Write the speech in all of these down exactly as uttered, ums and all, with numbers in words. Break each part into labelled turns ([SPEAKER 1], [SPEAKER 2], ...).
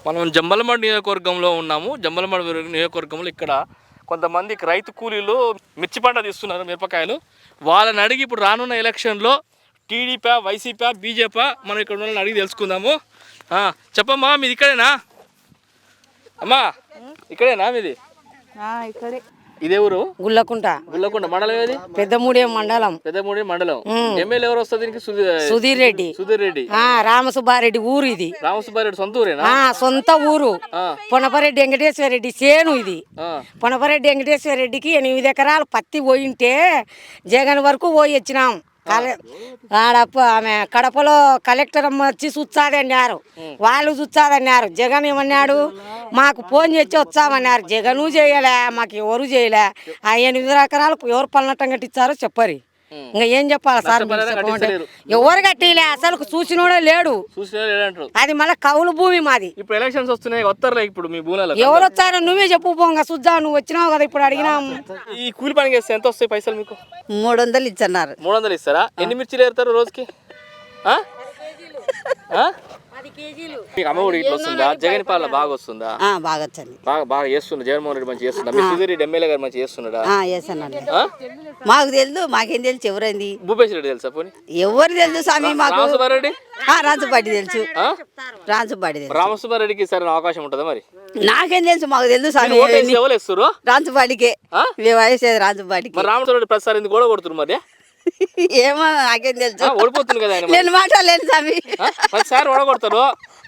[SPEAKER 1] మనం జమ్మలమడు నియోజకవర్గంలో ఉన్నాము. జమ్మలమడు నియోజకవర్గంలో ఇక్కడ కొంతమందికి రైతు కూలీలు మిర్చి పంట తీస్తున్నారు, మిరపకాయలు. వాళ్ళని అడిగి ఇప్పుడు రానున్న ఎలక్షన్లో టీడీపీ, వైసీపీ, బీజేపీ మనం ఇక్కడ వాళ్ళని అడిగి తెలుసుకుందాము. చెప్పమ్మా, మీది ఇక్కడేనా? అమ్మా ఇక్కడేనా మీది?
[SPEAKER 2] ఇక్కడే.
[SPEAKER 1] ఇదే ఊరు?
[SPEAKER 2] గుల్లకుంట.
[SPEAKER 1] గుల్లకుంట మండలం ఏది?
[SPEAKER 2] పెద్దమూడేం మండలం.
[SPEAKER 1] పెద్దమూడేం మండలం. ఎమ్మెల్యే ఎవరు వస్తుంది దీనికి?
[SPEAKER 2] సుధీర్ రెడ్డి.
[SPEAKER 1] సుధీర్ రెడ్డి.
[SPEAKER 2] రామసుబ్బారెడ్డి ఊరు ఇది.
[SPEAKER 1] రామసుబ్బారెడ్డి సొంత ఊరేనా?
[SPEAKER 2] సొంత ఊరు. పొనపరెడ్డి వెంకటేశ్వర రెడ్డి సేను ఇది. పొనపరెడ్డి వెంకటేశ్వర రెడ్డికి ఎనిమిది ఎకరాలు పత్తి పోయింటే జగన్ వరకు పోయి వచ్చినాం. ఆడప్ప ఆమె కడపలో కలెక్టర్ అమ్మ వచ్చి చూచాదన్నారు, వాళ్ళు చూచాదన్నారు. జగన్ ఏమన్నాడు, మాకు ఫోన్ చేసి వచ్చామన్నారు. జగను చేయలే, మాకు ఎవరు చేయలే. ఆ ఎనిమిది ఎకరాలు ఎవరు పల్లనట్టం కట్టించారో చెప్పరు. ఇంకా ఏం చెప్పాలి సార్? ఎవరు కట్టిలే, అసలు చూసినోడే లేడు. అది మళ్ళీ కౌలు భూమి మాది.
[SPEAKER 1] ఇప్పుడు ఎలక్షన్స్ వస్తున్నాయి, వస్తారులే. ఇప్పుడు మీ భూములలో
[SPEAKER 2] ఎవరు వచ్చారో నువ్వే చెప్పు. పోంగా చూద్దా, నువ్వు వచ్చినావు కదా, ఇప్పుడు అడిగినాము.
[SPEAKER 1] ఈ కూలి పని చేస్తే ఎంత వస్తాయి పైసలు మీకు?
[SPEAKER 2] మూడు వందలు ఇచ్చన్నారు.
[SPEAKER 1] మూడు వందలు ఇస్తారా? ఎన్ని మిర్చిలు ఏరుతారు రోజుకి? మీకు అమ్మఒడి ఇట్లా వస్తుందా? జగన్ పాలన బాగా వస్తుందా?
[SPEAKER 2] బాగా వచ్చింది.
[SPEAKER 1] బాగా బాగా చేస్తుందా? జగన్మోహన్ రెడ్డి మంచి చేస్తుందా? మీ సుధీర్ రెడ్డి ఎమ్మెల్యే గారు మంచి చేస్తున్నాడా?
[SPEAKER 2] మాకు తెలుసు, మాకేం తెలుసు. ఎవరైంది?
[SPEAKER 1] భూపేశ్ రెడ్డి తెలుసా? పోనీ
[SPEAKER 2] ఎవరు తెలుసు స్వామి? మాకు
[SPEAKER 1] రామసుబ్బారెడ్డి.
[SPEAKER 2] రాజుపాటి తెలుసు. రాజుపాటి తెలుసు.
[SPEAKER 1] రామసుబ్బారెడ్డికి సరైన అవకాశం ఉంటుందా మరి?
[SPEAKER 2] నాకేం తెలుసు, మాకు తెలుసు స్వామి. రాజుపాటికే వేసేది, రాజుపాటికి.
[SPEAKER 1] రామసుబ్బారెడ్డి ప్రసాద్ ఎందుకు కూడా కొడుతున్నారు మరి?
[SPEAKER 2] ఏమో నాకేం తెలుసు.
[SPEAKER 1] ఓడిపోతుంది కదా ఆయన.
[SPEAKER 2] నేను మాట్లాడలేను స్వామి.
[SPEAKER 1] ప్రతిసారి ఓడగొడతారు.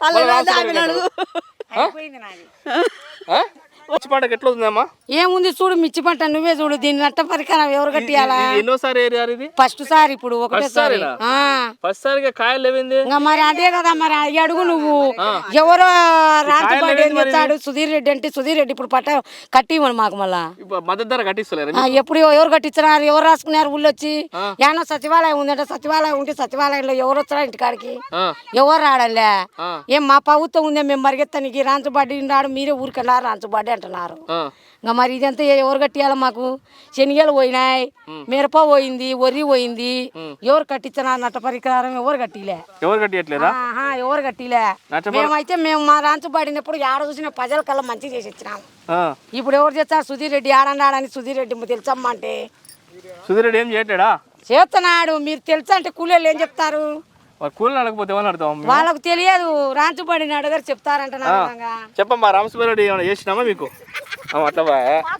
[SPEAKER 1] మిర్చి పంటకి ఎట్లా ఉందమ్మా?
[SPEAKER 2] ఏముంది చూడు, మిర్చి పంట నువ్వే చూడు. దీన్ని నట్ట పరికరం ఎవరు కట్టియాలా?
[SPEAKER 1] ఎన్నోసారి ఏరియారు ఇది?
[SPEAKER 2] ఫస్ట్ సారి. ఇప్పుడు ఒకటేసారి.
[SPEAKER 1] ఫస్ట్ సారిగా కాయలు లేవింది
[SPEAKER 2] మరి. అదే కదా మరి, అడుగు నువ్వు. ఎవరో రాజుపాటి ఏం చేస్తాడు? సుధీర్ రెడ్డి అంటే సుధీర్ రెడ్డి ఇప్పుడు పట్ట కట్టివ్వను మాకు. మళ్ళా
[SPEAKER 1] మద్దతు ధర కట్టిస్తలేరు.
[SPEAKER 2] ఎప్పుడు ఎవరు కట్టించినారు? ఎవరు రాసుకున్నారు ఊళ్ళో వచ్చి? ఏమన్నా సచివాలయం ఉందంటే సచివాలయం ఉంటే సచివాలయంలో ఎవరు వచ్చారా ఇంటికాడికి? ఎవరు రాడలే. ఏం మా ప్రభుత్వం ఉందే, మేము మరిగెత్తానికి రాంచుబాటి రాడు, మీరే ఊరికెళ్ళారు రాంచుబాటి అంటున్నారు. ఇంకా మరి ఇదంతా ఎవరు కట్టియాలి మాకు? శనిగలు పోయినాయి, మిరప పోయింది, వరి పోయింది. ఎవరు కట్టించినారు? నట్ట పరికరం ఎవరు కట్టిలే.
[SPEAKER 1] ఎవరు కట్టియట్లేదా?
[SPEAKER 2] ఎవరు కట్టిలే. మేమైతే మేము మా రాంచు పడినప్పుడు ఆడ చూసిన ప్రజల కల్లా మంచి చేసి ఇచ్చినాం. ఇప్పుడు ఎవరు చేస్తారు? సుధీర్ రెడ్డి ఆడన్నాడని సుధీర్ రెడ్డి తెలుసమ్మా అంటే.
[SPEAKER 1] సుధీర్ రెడ్డి ఏం చేయట్లేడా?
[SPEAKER 2] చేస్తున్నాడు. మీరు తెలుసా అంటే కూలీలు ఏం చెప్తారు?
[SPEAKER 1] కూలీలు అడగపోతే ఏమని అడుగుతాం?
[SPEAKER 2] వాళ్ళకు తెలియదు. రాంచుబడిని అడగారు చెప్తారంట.
[SPEAKER 1] చెప్పమ్మా, రామసుబ్బారెడ్డి ఏమైనా చేసినామా మీకు? అట్లా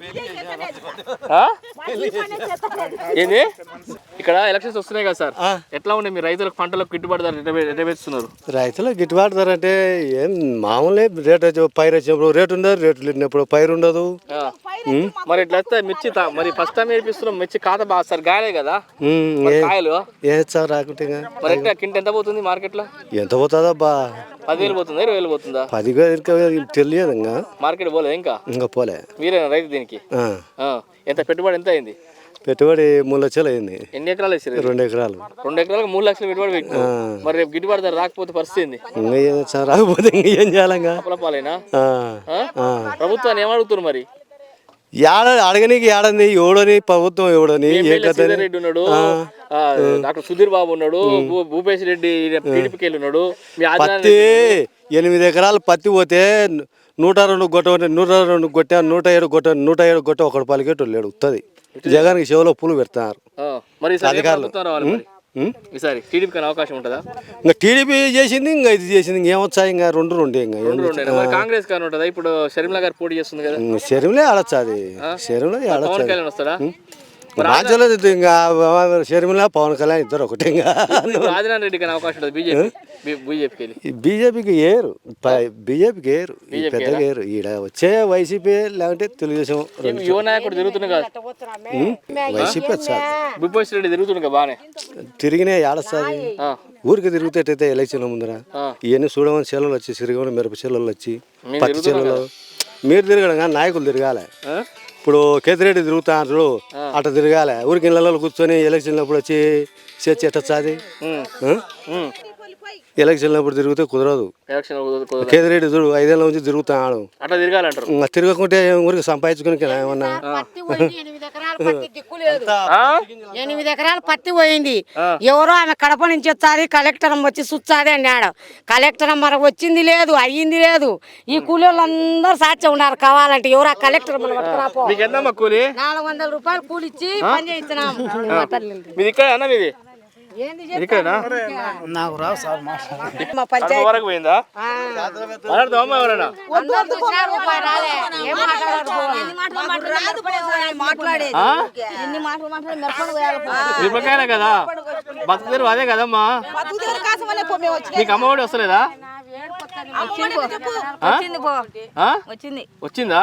[SPEAKER 1] ఏంది? ఇక్కడ ఎలక్షన్స్ వస్తున్నాయి కదా సార్, ఎట్లా ఉండే మీ రైతులకు పంటలకు గిట్టుబాటు ధర ఎట్లా పెంచుతున్నారు?
[SPEAKER 3] రైతులకు గిట్టుబాటు ధర అంటే ఏం మామూలే. రేటు పైరు వచ్చినప్పుడు రేటు ఉండదు, రేటు లేనప్పుడు పైరు ఉండదు.
[SPEAKER 1] మరి ఇట్లా వస్తే మిర్చి మరి ఫస్ట్ టైం వేపిస్తున్నాం. మిర్చి ఖాతా బాగా సార్ గాయలే కదా కాయలు.
[SPEAKER 3] ఏ సార్ రాకుంటే
[SPEAKER 1] మరి ఎట్లా కింట ఎంత పోతుంది మార్కెట్ లో?
[SPEAKER 3] ఎంత పోతుందా బా?
[SPEAKER 1] పదివేలు పోతుందా, ఇరవై వేలు పోతుందా?
[SPEAKER 3] పదివేలు తెలియదు. ఇంకా
[SPEAKER 1] మార్కెట్ పోలేదు ఇంకా?
[SPEAKER 3] ఇంకా పోలే.
[SPEAKER 1] మీరేనా రైతు దీనికి? ఎంత పెట్టుబడి ఎంత అయింది?
[SPEAKER 3] పెట్టుబడి మూడు లక్షలు అయింది.
[SPEAKER 1] ఎన్ని ఎకరాలు వేసారు?
[SPEAKER 3] రెండు ఎకరాలు.
[SPEAKER 1] రెండు ఎకరాలకు మూడు లక్షలు పెట్టుబడి పెట్టు. మరి రేపు గిట్టుబాటు ధర రాకపోతే పరిస్థితి ఏంది?
[SPEAKER 3] ఇంకా రాకపోతే ఇంకా ఏం చేయాలంగా?
[SPEAKER 1] పాలేనా? ప్రభుత్వాన్ని ఏమడుగుతున్నారు మరి?
[SPEAKER 3] ఏడ అడగనీకి ఏడంది ఎవడని ప్రభుత్వం ఎవడని?
[SPEAKER 1] రెడ్డి ఉన్నాడు, డాక్టర్ సుధీర్ బాబు ఉన్నాడు, భూపేశ్ రెడ్డి టీడీపీకి ఉన్నాడు.
[SPEAKER 3] పత్తి ఎనిమిది ఎకరాలు పత్తి పోతే నూట రెండు గొట్ట నూట రెండు గొట్ట నూట ఏడు గొట్ట నూట ఏడు గొట్ట ఒకటి పలికేటోళ్ళు లేడు. వస్తుంది. జగన్కి చెవులో పూలు పెడతారు అధికారులు.
[SPEAKER 1] ఈసారి టీడీపీ అవకాశం ఉంటుందా?
[SPEAKER 3] ఇంకా టీడీపీ చేసింది, ఇంకా ఇది చేసింది, ఇంకేమొచ్చాయి? ఇంకా రెండు రెండు ఇంకా
[SPEAKER 1] కాంగ్రెస్ కానీ ఉంటుందా? ఇప్పుడు షర్మిల గారు పోటీ చేస్తుంది కదా.
[SPEAKER 3] షర్మిలే ఆడొచ్చు. అది షర్మిలే ఆడొచ్చు.
[SPEAKER 1] వస్తాడా?
[SPEAKER 3] రాజ్యంలో ఇంకా షర్మిల పవన్ కళ్యాణ్ ఇద్దరు ఒకటి. ఇంకా
[SPEAKER 1] రాజనారాయణ రెడ్డి కానీ అవకాశం ఉంటుంది బీజేపీ బీజేపీకి
[SPEAKER 3] బీజేపీకి ఏరు బీజేపీకి ఏరు పెద్దగా ఏరు. ఈడ వచ్చే వైసీపీ లేకుంటే తెలుగుదేశం.
[SPEAKER 1] యువ నాయకుడు తిరుగుతుంది కదా
[SPEAKER 3] వైసీపీ వచ్చారు.
[SPEAKER 1] భూపేశ్ రెడ్డి తిరుగుతుంది కదా బాగానే.
[SPEAKER 3] తిరిగినా ఏడొస్తుంది. ఊరికి తిరుగుతేటైతే ఎలక్షన్ ముందర ఇవన్నీ చూడమని చెల్లెలు వచ్చి సిరిగమని మిరప చెల్లెలు వచ్చి పత్తి చెల్లెలు. మీరు తిరగడం కానీ నాయకులు తిరగాలి. ఇప్పుడు కేతిరెడ్డి తిరుగుతారు అట్లా తిరగాలి. ఊరికి ఇళ్ళలో కూర్చొని ఎలక్షన్ అప్పుడు వచ్చి చర్చ ఎట్టొచ్చాది? ఎలక్షన్ అప్పుడు తిరిగితే కుదరదు.
[SPEAKER 1] ఎలక్షన్ కుదరదు.
[SPEAKER 3] కేదిరెడ్డి చూడు ఐదేళ్ళ నుంచి తిరుగుతాడు,
[SPEAKER 1] అట్లా తిరగాలంటారు.
[SPEAKER 3] ఇంకా తిరగకుంటే ఊరికి సంపాదించుకుని ఏమన్నా
[SPEAKER 2] ఎనిమిది ఎకరాలు పత్తి పోయింది. ఎవరో ఆమె కడప నుంచి వచ్చాది, కలెక్టర్ వచ్చి సుచ్చాది అన్నాడు. కలెక్టర్ మరి వచ్చింది లేదు, అయ్యింది లేదు. ఈ కూలి వాళ్ళందరూ సాక్ష్యం ఉన్నారు. కావాలంటే ఎవరు ఆ కలెక్టర్
[SPEAKER 1] మీకు ఎంతమ్మా కూలి?
[SPEAKER 2] నాలుగు వందల రూపాయలు కూలి ఇచ్చి పని చేయించినాం.
[SPEAKER 1] మీది ఇక్కడ అన్న మీది ఇక్కడనా?
[SPEAKER 4] నాకు రావు సార్
[SPEAKER 2] మా పంచాయతీ
[SPEAKER 1] వరకు పోయిందా? మాట్లాడదామా ఎవరైనా? మిరపకాయలే కదా బతుకుదేరు అదే కదమ్మా. మీకు అమ్మఒడి వస్తలేదా? వచ్చిందా?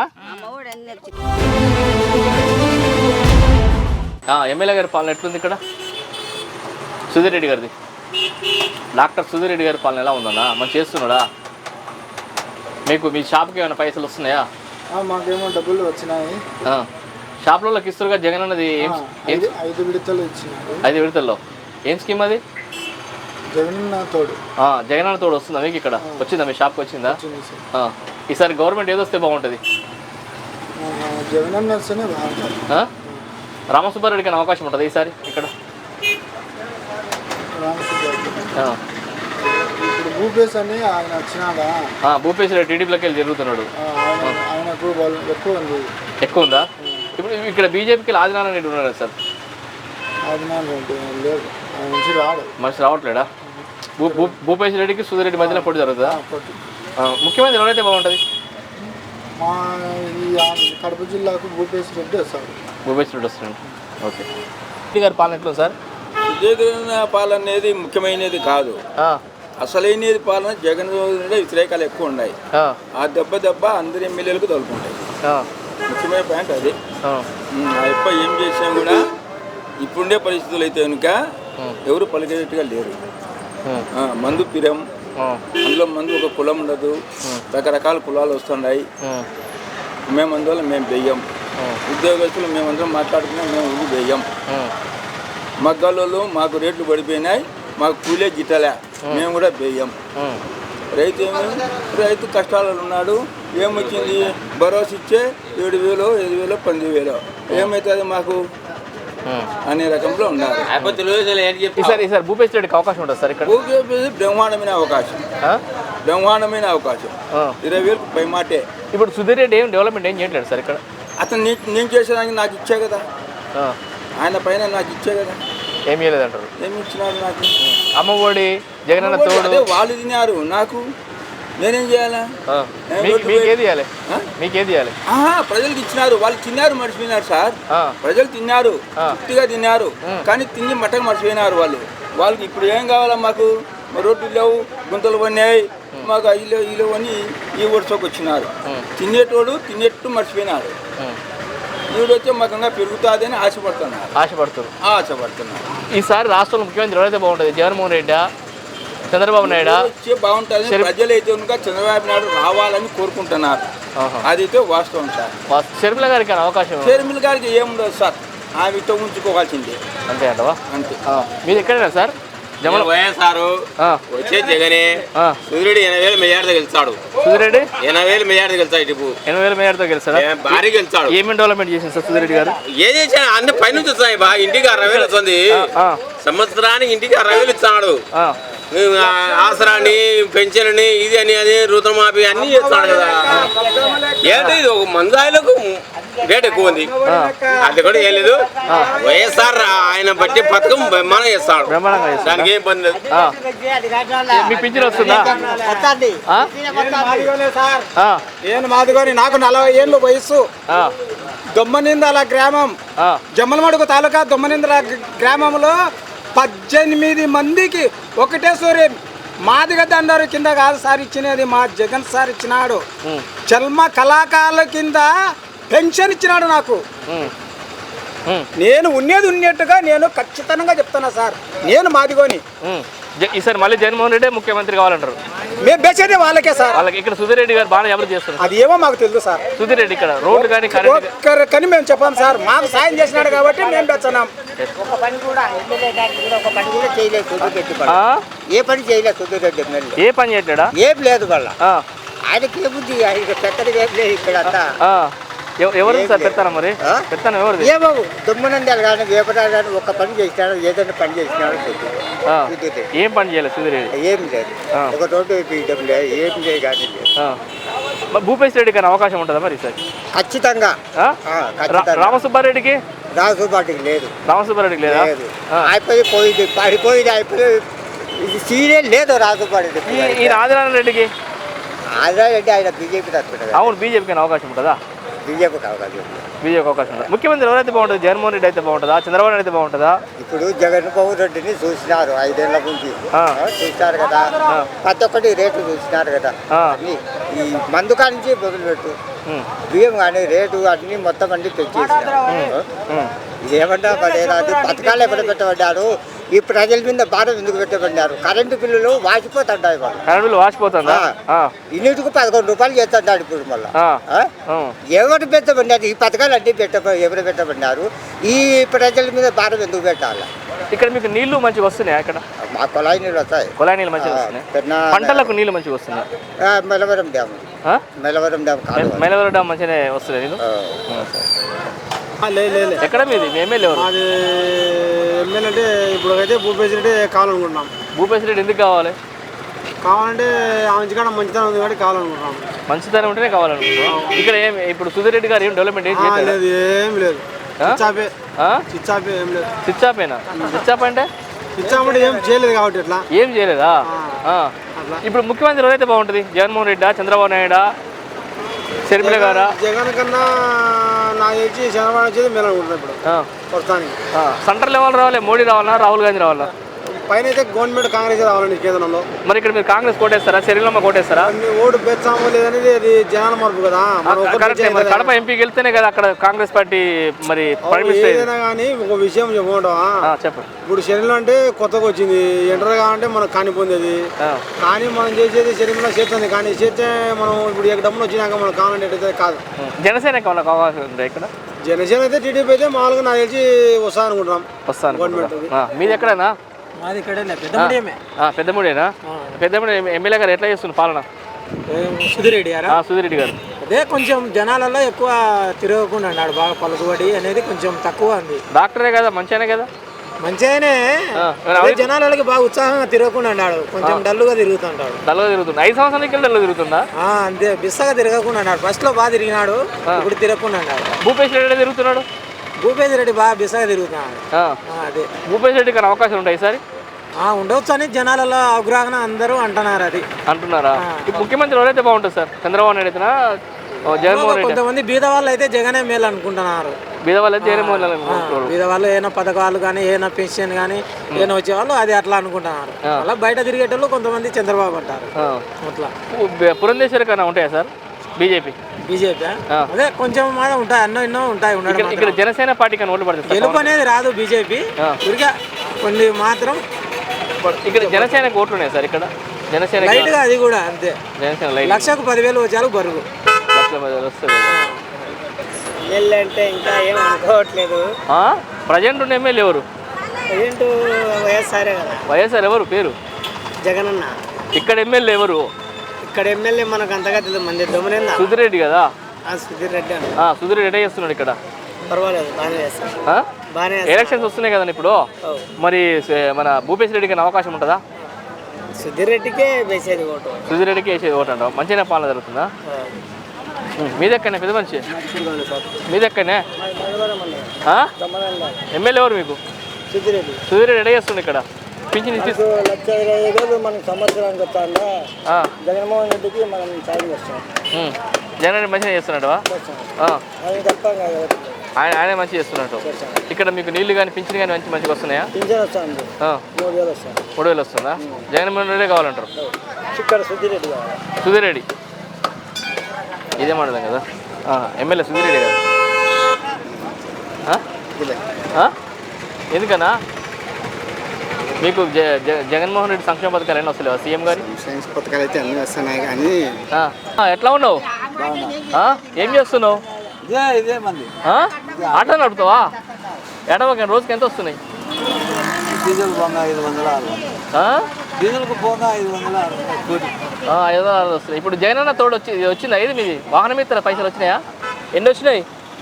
[SPEAKER 1] ఎమ్మెల్యే గారి పాలన ఎట్లుంది ఇక్కడ? సుధీర్ రెడ్డి గారిది, డాక్టర్ సుధీర్ రెడ్డి గారి పాలన ఎలా ఉందన్నా? మంచి చేస్తున్నాడా? మీకు మీ షాప్కి ఏమైనా పైసలు వస్తున్నాయా?
[SPEAKER 4] మాకేమో డబ్బులు వచ్చినాయి.
[SPEAKER 1] షాప్లోకి ఇస్తారుగా జగన్ అన్నది.
[SPEAKER 4] ఐదు విడతలు ఇచ్చినాయి.
[SPEAKER 1] ఐదు విడతల్లో ఏం స్కీమ్ అది?
[SPEAKER 4] జగనన్న తోడు.
[SPEAKER 1] జగనన్న తోడు వస్తుందా మీకు ఇక్కడ? వచ్చిందా మీ షాప్కి? వచ్చిందా? ఈసారి గవర్నమెంట్ ఏదొస్తే బాగుంటుంది?
[SPEAKER 4] జగనన్న వస్తేనే బాగుంటుంది.
[SPEAKER 1] రామసుబ్బారెడ్డికి అవకాశం ఉంటుంది ఈసారి ఇక్కడ?
[SPEAKER 4] ఇప్పుడు భూపేశ్ అని ఆయన వచ్చినాడా?
[SPEAKER 1] భూపేశ్ రెడ్డి టీడీపీలోకి వెళ్ళి జరుగుతున్నాడు.
[SPEAKER 4] ఆయనకు ఎక్కువ ఉంది.
[SPEAKER 1] ఎక్కువ ఉందా? ఇప్పుడు ఇక్కడ బీజేపీకి ఆదినారాయణ రెడ్డి ఉన్నాడు సార్.
[SPEAKER 4] ఆదినారాయణ రెడ్డి లేదు, ఆయన నుంచి రాడు.
[SPEAKER 1] మనిషి రావట్లేడా? భూ భూ భూపేశ్ రెడ్డికి సుధీర్ రెడ్డి మధ్యలో పోటీ జరుగుతుందా? ముఖ్యమంత్రి ఎవరైతే బాగుంటుంది?
[SPEAKER 4] మా ఈ కడప జిల్లాకు భూపేశ్ రెడ్డి వస్తాడు.
[SPEAKER 1] భూపేశ్ రెడ్డి వస్తున్నాడు. ఓకే. రెడ్డి గారి పాలన ఎట్లా సార్?
[SPEAKER 5] జగన్ పాలన అనేది ముఖ్యమైనది కాదు. అసలైనది పాలన జగన్ వ్యతిరేకాలు ఎక్కువ ఉన్నాయి. ఆ దెబ్బ దెబ్బ అందరి ఎమ్మెల్యేలకు తగులుకుంటాయి. ముఖ్యమైన పాయింట్ అది. ఎప్ప ఏం చేసినా కూడా ఇప్పుడుండే పరిస్థితులు అయితే కనుక ఎవరు పలికేటట్టుగా లేరు. మందు పిరం, అందులో మందు ఒక కులం ఉండదు, రకరకాల కులాలు వస్తున్నాయి. మేము అందువల్ల మేము వెయ్యం. ఉద్యోగస్తులు మేమందరం మాట్లాడుకున్నాం, మేము ఊరు వెయ్యం. మగ్గాలలో మాకు రేట్లు పడిపోయినాయి, మాకు కూలే గిట్టలే, మేము కూడా వేయం. రైతు ఏమి రైతు కష్టాలలో ఉన్నాడు. ఏమొచ్చింది? భరోసా ఇచ్చే ఏడు వేలు ఐదు వేలు పన్నెండు వేలు ఏమవుతుంది మాకు అనే రకంలో ఉన్నారు.
[SPEAKER 1] భూపేశ్ రెడ్డికి అవకాశం ఉంటుంది సార్ ఇక్కడ?
[SPEAKER 5] భూపేశ్ బ్రహ్మాండమైన అవకాశం, బ్రహ్మాండమైన అవకాశం. ఇరవై వేలకు పై మాటే.
[SPEAKER 1] ఇప్పుడు సుధీర్ రెడ్డి ఏం డెవలప్మెంట్ ఏం చేయట్లేదు సార్ ఇక్కడ?
[SPEAKER 5] అతను నేను చేసేదానికి నాకు ఇచ్చే కదా, ఆయన పైన నాకు ఇచ్చే కదా.
[SPEAKER 1] ఏమి ఇవ్వలేదంటారు?
[SPEAKER 5] ఏమి ఇచ్చినారు నాకు?
[SPEAKER 1] అమ్మఒడి, జగనన్న తోడు
[SPEAKER 5] వాళ్ళు తిన్నారు, నాకు నేనేం చేయాలా?
[SPEAKER 1] మీకేది ఇవ్వాలి? మీకేది ఇవ్వాలి?
[SPEAKER 5] ప్రజలకు ఇచ్చినారు, వాళ్ళు తిన్నారు మర్చిపోయినారు సార్. ప్రజలు తిన్నారు, తృప్తిగా తిన్నారు, కానీ తిని మట్టగా మర్చిపోయినారు వాళ్ళు. వాళ్ళకి ఇప్పుడు ఏం కావాలా? మాకు రోడ్లు లేవు, గుంతలు పడినాయి, మాకు ఇల్లు ఇల్లు అని ఈ వర్షకు వచ్చినారు. తినేటోడు తినేట్టు మర్చిపోయినారు. ఈవిడ వచ్చే మకంగా పెరుగుతుంది అని ఆశపడుతున్నారు
[SPEAKER 1] ఆశపడుతున్నారు
[SPEAKER 5] ఆశపడుతున్నారు
[SPEAKER 1] ఈసారి రాష్ట్రంలో ముఖ్యమంత్రి ఎవరైతే బాగుంటుంది? జగన్మోహన్ రెడ్డి, చంద్రబాబు నాయుడు
[SPEAKER 5] వచ్చే బాగుంటుంది. ప్రజలైతే కనుక చంద్రబాబు నాయుడు రావాలని కోరుకుంటున్నారు. అదైతే వాస్తవం సార్.
[SPEAKER 1] షర్మిల గారికి అవకాశం?
[SPEAKER 5] షర్మిల గారికి ఏముండదు సార్, ఆమెతో ఉంచుకోవాల్సిందే.
[SPEAKER 1] అంతే అంటవా?
[SPEAKER 5] అంతే.
[SPEAKER 1] మీరు ఎక్కడైనా సార్?
[SPEAKER 6] వైఎస్ఆర్ వచ్చే జగనే సుధిరెడ్డి ఎనభై వేలు మెజార్టీతో గెలిచాడు.
[SPEAKER 1] సుధిరెడ్డి
[SPEAKER 6] ఎనభై వేలు మెజార్టీ గెలిచాడు. ఇటు
[SPEAKER 1] ఎనభై వేల మెజార్టీతో గెలిచాడు, భారీ
[SPEAKER 6] గెలిచాడు.
[SPEAKER 1] ఏమేమి డెవలప్మెంట్ చేసింది సార్ సుధిరెడ్డి గారు?
[SPEAKER 6] ఏం చేశాడు? అన్ని పైనుంచి వస్తాయి బాగా. ఇంటికి అరవై వేలు వస్తుంది సంవత్సరానికి, ఇంటికి అరవై వేలు ఇస్తున్నాడు. ఆసరాన్ని, పెన్షన్ అని, ఇది అని అది రుతమాఫీ అన్ని చేస్తున్నాడు కదా. ఏంటి ఇది ఒక మందాయిలకు రేట్ ఎక్కువ ఉంది, అది కూడా ఏం లేదు. వైఎస్ఆర్ ఆయన బట్టి పథకం బ్రహ్మాండంగా చేస్తాడు, దానికి ఏం పని లేదు.
[SPEAKER 1] మీ పింఛన్ వస్తుందా?
[SPEAKER 4] నేను మాదిగోని, నాకు నలభై ఏళ్ళు వయస్సు. దొమ్మనిందల గ్రామం, జమ్మలమడుగు తాలూకా దొమ్మనిందల గ్రామంలో పద్దెనిమిది మందికి ఒకటే సూర్యం మాదిగ దండారు కింద కాదు సార్ ఇచ్చినది, మా జగన్ సార్ ఇచ్చినాడు. చల్మ కళాకారుల కింద పెన్షన్ ఇచ్చినాడు నాకు. నేను ఉన్నది ఉన్నట్టుగా నేను ఖచ్చితంగా చెప్తున్నా సార్, నేను మాదిగోని.
[SPEAKER 1] ఈసారి మళ్ళీ జగన్మోహన్ రెడ్డి ముఖ్యమంత్రి కావాలంటారు?
[SPEAKER 4] మేము బేసేది వాళ్ళకే సార్.
[SPEAKER 1] వాళ్ళకి ఇక్కడ సుధీర్ రెడ్డి గారు బాగా అభివృద్ధి చేస్తున్నారు.
[SPEAKER 4] అది ఏమో మాకు తెలుసు సార్.
[SPEAKER 1] సుధీర్ రెడ్డి ఇక్కడ రోడ్లు కానీ కరెంట్
[SPEAKER 4] ఒక్కరికని మేము చెప్పాం సార్. మాకు సాయం చేసినాడు కాబట్టి మేము పెంచున్నాం.
[SPEAKER 7] ఒక పని కూడా ఎమ్మెల్యే గారికి కూడా ఒక పని కూడా చేయలేదు సుధీర్ రెడ్డి. ఏ పని చేయలేదు సుధీర్ రెడ్డి ఎమ్మెల్యే.
[SPEAKER 1] ఏ పని చేయట్లేడా?
[SPEAKER 7] ఏం లేదు వాళ్ళ ఆయనకి ఏముంది, ఆయన పెద్దది ఏం లేదు ఇక్కడ అంతా.
[SPEAKER 1] ఎవరు సార్ పెడతారా మరి? పెడతాను ఎవరు?
[SPEAKER 7] ఏమో దుమ్మనందాలు కానీ వేపరాలు కానీ ఒక్క పని చేసినాడు, ఏదైనా పని చేసినాడు.
[SPEAKER 1] ఏం పని చేయలేదు సుధీర్ రెడ్డి?
[SPEAKER 7] ఏం లేదు. ఒక రోడ్డు వేయడం లేదు, ఏం లేదు కానీ లేదు.
[SPEAKER 1] భూపేశ్ రెడ్డి కానీ అవకాశం ఉంటుందా మరి సార్?
[SPEAKER 7] ఖచ్చితంగా.
[SPEAKER 1] రామసుబ్బారెడ్డికి
[SPEAKER 7] రామసుబ్బారెడ్డికి లేదు.
[SPEAKER 1] రామసుబ్బారెడ్డికి లేదా?
[SPEAKER 7] అయిపోయి పోయింది, పడిపోయింది, అయిపోయి ఇది సీరియల్ లేదు రామసుబ్బారెడ్డి.
[SPEAKER 1] ఈ ఆదినారాయణ రెడ్డికి?
[SPEAKER 7] ఆదినారాయణ రెడ్డి ఆయన బీజేపీ తరఫున.
[SPEAKER 1] అవును, బీజేపీకి అవకాశం ఉంటుందా?
[SPEAKER 7] బీజేపీకి అవకాశం.
[SPEAKER 1] బీజేపీకి అవకాశం ఉంటుంది. ముఖ్యమంత్రి ఎవరైతే బాగుంటుంది? జగన్మోహన్ రెడ్డి అయితే బాగుంటుందా? చంద్రబాబు నాయుడు అయితే బాగుంటుందా?
[SPEAKER 7] ఇప్పుడు జగన్మోహన్ రెడ్డిని చూసినారు ఐదేళ్ల నుంచి, చూసినారు కదా. ప్రతి ఒక్కటి రేటు చూసినారు కదా. ఈ మందు కానించి మొదలుపెట్టు బియ్యం కానీ రేటు అన్ని మొత్తం అన్ని పెంచేసినారు. ఇదేమంటా పడేది పథకాలు ఎప్పుడు పెట్టబడ్డారు? ఈ ప్రజల మీద భారం ఎందుకు పెట్టబడ్డారు? కరెంటు బిల్లులు వాసిపోతుంటాయి.
[SPEAKER 1] Current bill వాసిపోతుందా?
[SPEAKER 7] ఇన్నిటికి పదకొండు రూపాయలు చేస్తున్నాడు ఇప్పుడు మళ్ళీ. ఎవరు పెట్టబడ్డారు? ఈ పథకాలు అన్ని పెట్ట ఎవరు పెట్టబడ్డారు? ఈ ప్రజల మీద భారం ఎందుకు పెట్టాలి?
[SPEAKER 1] ఇక్కడ మీకు నీళ్లు మంచిగా వస్తున్నాయా? ఇక్కడ
[SPEAKER 7] మా కొలాయి నీళ్ళు వస్తాయి.
[SPEAKER 1] కొలాయి నీళ్ళు మంచిగా వస్తున్నాయి. పంటలకు నీళ్లు మంచిగా వస్తున్నాయి.
[SPEAKER 7] Melavaram dam, Melavaram dam
[SPEAKER 1] Melavaram dam మంచిగానే వస్తున్నాయి నీళ్ళు.
[SPEAKER 4] లేదు.
[SPEAKER 1] ఎక్కడ మీది? ఎమ్మెల్యే ఎవరు?
[SPEAKER 4] అది ఎమ్మెల్యే అంటే ఇప్పుడు అయితే భూపేశ్ రెడ్డి కావాలనుకుంటున్నాం.
[SPEAKER 1] భూపేశ్ రెడ్డి ఎందుకు కావాలి?
[SPEAKER 4] కావాలంటే ఆమె కాడ మంచితనం ఉంది కాబట్టి కావాలనుకుంటున్నాం.
[SPEAKER 1] మంచితనం ఉంటేనే కావాలనుకుంటున్నాం. ఇక్కడ ఏం ఇప్పుడు సుధీర్ రెడ్డి గారు ఏం డెవలప్మెంట్ ఏం చేయలేదు?
[SPEAKER 4] లేదు, ఏం లేదు. చిచ్చాపే చిచ్చాపే ఏం లేదు.
[SPEAKER 1] చిచ్చాపేనా? చిచ్చాప అంటే
[SPEAKER 4] చిచ్చాప అంటే ఏం చేయలేదు కాబట్టి ఇట్లా
[SPEAKER 1] ఏం చేయలేదా? ఇప్పుడు ముఖ్యమంత్రి ఎవరైతే బాగుంటుంది? జగన్మోహన్ రెడ్డా, చంద్రబాబు నాయుడా, షర్మిల గారా?
[SPEAKER 4] జగన్ కన్నా నాకు తెలిసి చంద్రబాబు వచ్చేది మేలు అనుకుంటున్నాను ఇప్పుడు ప్రస్తుతానికి.
[SPEAKER 1] సెంటర్ లెవెల్ రావాలి, మోడీ రావాలా, రాహుల్ గాంధీ రావాలా?
[SPEAKER 4] పైన అయితే గవర్నమెంట్ కాంగ్రెస్ రావాలండి కేంద్రంలో.
[SPEAKER 1] మరి ఇక్కడ మీరు కాంగ్రెస్ కోటేస్తారా, షర్మిలమ్మ కోటేస్తారా?
[SPEAKER 4] ఓటు పెంచామో లేదనేది అది జనాల మార్పు కదా.
[SPEAKER 1] కడప ఎంపీకి వెళ్తేనే కదా అక్కడ కాంగ్రెస్ పార్టీ మరి
[SPEAKER 4] ఏదైనా కానీ ఒక విషయం చెప్పుకుంటావా?
[SPEAKER 1] చెప్పండి.
[SPEAKER 4] ఇప్పుడు షర్మిల అంటే కొత్తగా వచ్చింది, ఎంటర్ కావాలంటే మనకు కానిపోయింది. కానీ మనం చేసేది షర్మిల చేస్తుంది, కానీ చేస్తే మనం ఇప్పుడు ఎక్కడ డబ్బులు వచ్చినాక మనం కావాలంటే కాదు.
[SPEAKER 1] జనసేనకి వాళ్ళకి అవకాశం ఉంది ఇక్కడ.
[SPEAKER 4] జనసేన అయితే టీడీపీ అయితే మామూలుగా నాకు తెలిసి వస్తా అనుకుంటున్నాం.
[SPEAKER 1] వస్తాను గవర్నమెంట్. మీది ఎక్కడైనా?
[SPEAKER 4] మాది ఇక్కడ పెద్దముడియమే.
[SPEAKER 1] పెద్దముడేనా? పెద్దముడి ఎమ్మెల్యే గారు ఎట్లా చేస్తున్నారు పాలన?
[SPEAKER 4] సుధీర్ రెడ్డి గారు
[SPEAKER 1] సుధీర్ రెడ్డి గారు
[SPEAKER 4] అదే కొంచెం జనాలలో ఎక్కువ తిరగకుండా అన్నాడు, బాగా పలుకుబడి అనేది కొంచెం తక్కువ ఉంది.
[SPEAKER 1] డాక్టరే కదా, మంచిగానే కదా,
[SPEAKER 4] మంచిగానే జనాలకి బాగా ఉత్సాహంగా తిరగకుండా అన్నాడు, కొంచెం డల్లుగా తిరుగుతుంటాడు.
[SPEAKER 1] డల్లుగా తిరుగుతుంది. ఐదు సంవత్సరాలకి డల్లుగా తిరుగుతుందా?
[SPEAKER 4] అంతే, బిస్సగా తిరగకుండా అన్నాడు. ఫస్ట్ లో బాగా తిరిగినాడు, ఇప్పుడు తిరగకుండా అన్నాడు.
[SPEAKER 1] భూపేశ్ రెడ్డి తిరుగుతున్నాడు.
[SPEAKER 4] భూపేశ్ రెడ్డి బాగా బిస్సగా తిరుగుతున్నాడు. అదే
[SPEAKER 1] భూపేశ్ రెడ్డికి అవకాశం ఉంటాయి ఈసారి?
[SPEAKER 4] ఉండవచ్చు అని జనాలలో అవగాహన అందరూ అంటున్నారు. అది
[SPEAKER 1] అంటున్నారా? ముఖ్యమంత్రి ఎవరైతే బాగుంటుంది సార్? చంద్రబాబు నాయుడు అయితేనా, జగన్మోహన్ రెడ్డి?
[SPEAKER 4] కొంతమంది బీద వాళ్ళు అయితే జగనే మేలు అనుకుంటున్నారు.
[SPEAKER 1] బీద వాళ్ళు అయితే జగన్మోహన్ రెడ్డి.
[SPEAKER 4] బీద వాళ్ళు ఏమైనా పథకాలు కానీ ఏమైనా పెన్షన్ కానీ ఏమైనా వచ్చేవాళ్ళు అది అట్లా అనుకుంటున్నారు. అలా బయట తిరిగేటోళ్ళు కొంతమంది చంద్రబాబు అంటారు. అట్లా
[SPEAKER 1] పురంధేశ్వరి కన్నా ఉంటాయా సార్ బీజేపీ?
[SPEAKER 4] బీజేపీ అదే కొంచెం ఉంటాయి, అన్నో ఎన్నో ఉంటాయి.
[SPEAKER 1] ఇక్కడ జనసేన పార్టీ కానీ ఓట్లు పడుతుంది.
[SPEAKER 4] గెలుపు అనేది రాదు బీజేపీ, ఊరిగా కొన్ని మాత్రం.
[SPEAKER 1] ఇక్కడ జనసేన ఓట్లు ఉన్నాయి సార్. ఇక్కడ జనసేన
[SPEAKER 4] లైట్ గా అది కూడా అంతే.
[SPEAKER 1] జనసేన లైట్
[SPEAKER 4] లక్షకు పదివేలు వచ్చారు బరువు.
[SPEAKER 1] లక్ష పదివేలు వస్తుంది.
[SPEAKER 7] ఎమ్మెల్యే అంటే ఇంకా ఏం అనుకోవట్లేదు.
[SPEAKER 1] ప్రజెంట్ ఉన్న ఎమ్మెల్యే ఎవరు?
[SPEAKER 7] ప్రజెంట్ వైఎస్ఆర్ కదా.
[SPEAKER 1] వైఎస్ఆర్ ఎవరు పేరు?
[SPEAKER 7] జగన్ అన్న.
[SPEAKER 1] ఇక్కడ ఎమ్మెల్యే ఎవరు?
[SPEAKER 7] ఇక్కడ ఎమ్మెల్యే మనకు అంతగా తెలియదు, మంది దొమనేందా.
[SPEAKER 1] సుధీర్ రెడ్డి కదా?
[SPEAKER 7] సుధీర్ రెడ్డి అన్న.
[SPEAKER 1] సుధీర్ రెడ్డి చేస్తున్నాడు ఇక్కడ.
[SPEAKER 7] పర్వాలేదు, బాగానే చేస్తాడు. బాగానే.
[SPEAKER 1] ఎలక్షన్స్ వస్తున్నాయి కదండి ఇప్పుడు, మరి మన భూపేశ్ రెడ్డికి అవకాశం ఉంటుందా?
[SPEAKER 7] సుధీర్ రెడ్డికే వేసేది ఓటు.
[SPEAKER 1] సుధీర్ రెడ్డికి వేసేది ఓటు అంటావు. మంచిగా పాలన జరుగుతుందా? మీదెక్కనే పెద్ద మనిషి? మీదెక్కనే ఎమ్మెల్యే ఎవరు మీకు?
[SPEAKER 7] సుధీర్ రెడ్డి.
[SPEAKER 1] సుధీర్ రెడ్డి చేస్తుండే ఇక్కడ. పింఛన్
[SPEAKER 7] లక్ష ఇరవై ఐదు వేలు మనకు సంవత్సరానికి వస్తాను. జగన్మోహన్ రెడ్డికి మనం సాయం చేస్తాం.
[SPEAKER 1] జగన్ రెడ్డి మంచిగా చేస్తున్నాడు. ఆయన ఆయనే మంచిగా చేస్తున్నట్టు. ఇక్కడ మీకు నీళ్లు కానీ పింఛన్ కానీ మంచి మంచిగా వస్తున్నాయా?
[SPEAKER 7] పింఛన్ వస్తుంది, మూడు వేలు వస్తుంది.
[SPEAKER 1] మూడు వేలు వస్తుందా? జగన్మోహన్ రెడ్డి కావాలంటారు.
[SPEAKER 7] ఇక్కడ సుధీర్ రెడ్డి కావాలి.
[SPEAKER 1] సుధీర్ రెడ్డి ఇదే మాట్లాడదాం కదా, ఎమ్మెల్యే సుధీర్ రెడ్డి కదా. ఎందుకన్నా మీకు జ- జ- జగన్మోహన్ రెడ్డి సంక్షేమ పథకాలు ఎన్ని వస్తలేవా సీఎం గారి?
[SPEAKER 4] సైన్స్ పథకాలు అయితే అన్నీ వస్తున్నాయి కానీ
[SPEAKER 1] ఆ. ఆ, ఎట్లా ఉన్నావు? ఆ? ఏం చేస్తున్నావు?
[SPEAKER 4] ఇదే ఇదే మంది
[SPEAKER 1] ఆ? ఆటో నడుపుతావా? ఎడవక రోజుకి ఎంత వస్తున్నాయి?
[SPEAKER 4] డీజిల్ పోగా ఐదు వందల ఆరు
[SPEAKER 1] ఆ?
[SPEAKER 4] డీజిల్కు పోగా ఐదు వందల ఆరు కోటి
[SPEAKER 1] ఆ, ఐదు వందల అరవై వస్తున్నాయి. ఇప్పుడు జగన్ అన్న తోడు వచ్చి వచ్చిందా ఇది మీది వాహనం మీద పైసలు వచ్చినాయా? ఎన్ని వచ్చినాయి?